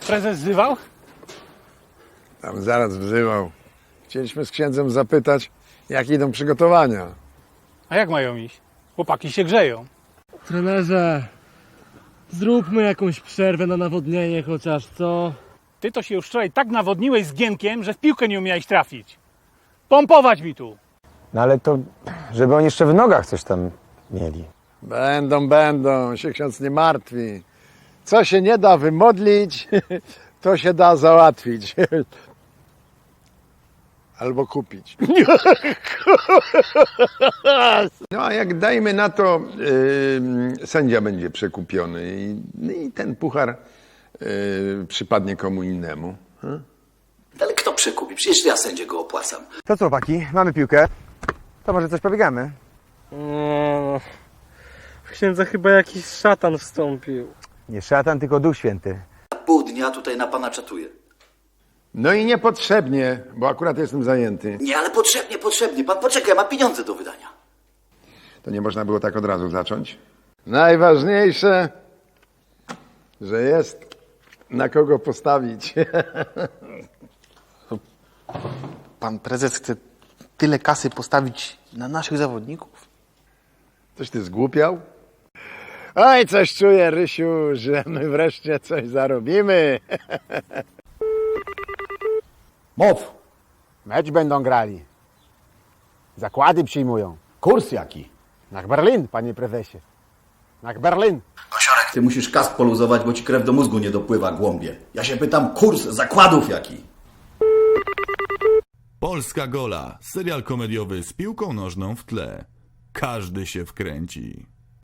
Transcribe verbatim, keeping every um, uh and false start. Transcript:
prezes wzywał? Tam zaraz wzywał. Chcieliśmy z księdzem zapytać, jak idą przygotowania. A jak mają iść? Chłopaki się grzeją. Trenerze, zróbmy jakąś przerwę na nawodnienie chociaż, co? Ty to się już wczoraj tak nawodniłeś z Gienkiem, że w piłkę nie umiałeś trafić. Pompować mi tu! No ale to, żeby oni jeszcze w nogach coś tam mieli. Będą, będą, się ksiądz nie martwi. Co się nie da wymodlić, to się da załatwić. Albo kupić. No a jak dajmy na to, yy, sędzia będzie przekupiony i, i ten puchar yy, przypadnie komu innemu. Hmm? Ale kto przekupi? Przecież ja sędzie go opłacam. To co, chłopaki, mamy piłkę. To może coś pobiegamy? No, w księdza chyba jakiś szatan wstąpił. Nie szatan, tylko Duch Święty. Pół dnia tutaj na pana czatuję. No i niepotrzebnie, bo akurat jestem zajęty. Nie, ale potrzebnie, potrzebnie. Pan poczekaj, ma pieniądze do wydania. To nie można było tak od razu zacząć? Najważniejsze, że jest na kogo postawić. Pan prezes chce tyle kasy postawić na naszych zawodników? Coś ty zgłupiał? Oj, coś czuję, Rysiu, że my wreszcie coś zarobimy. Mów! Mecz będą grali. Zakłady przyjmują. Kurs jaki? Na Berlin, panie prezesie. Na Berlin. Kosiorek, ty musisz kask poluzować, bo ci krew do mózgu nie dopływa, głąbie. Ja się pytam, kurs zakładów jaki? Polska Gola, serial komediowy z piłką nożną w tle. Każdy się wkręci.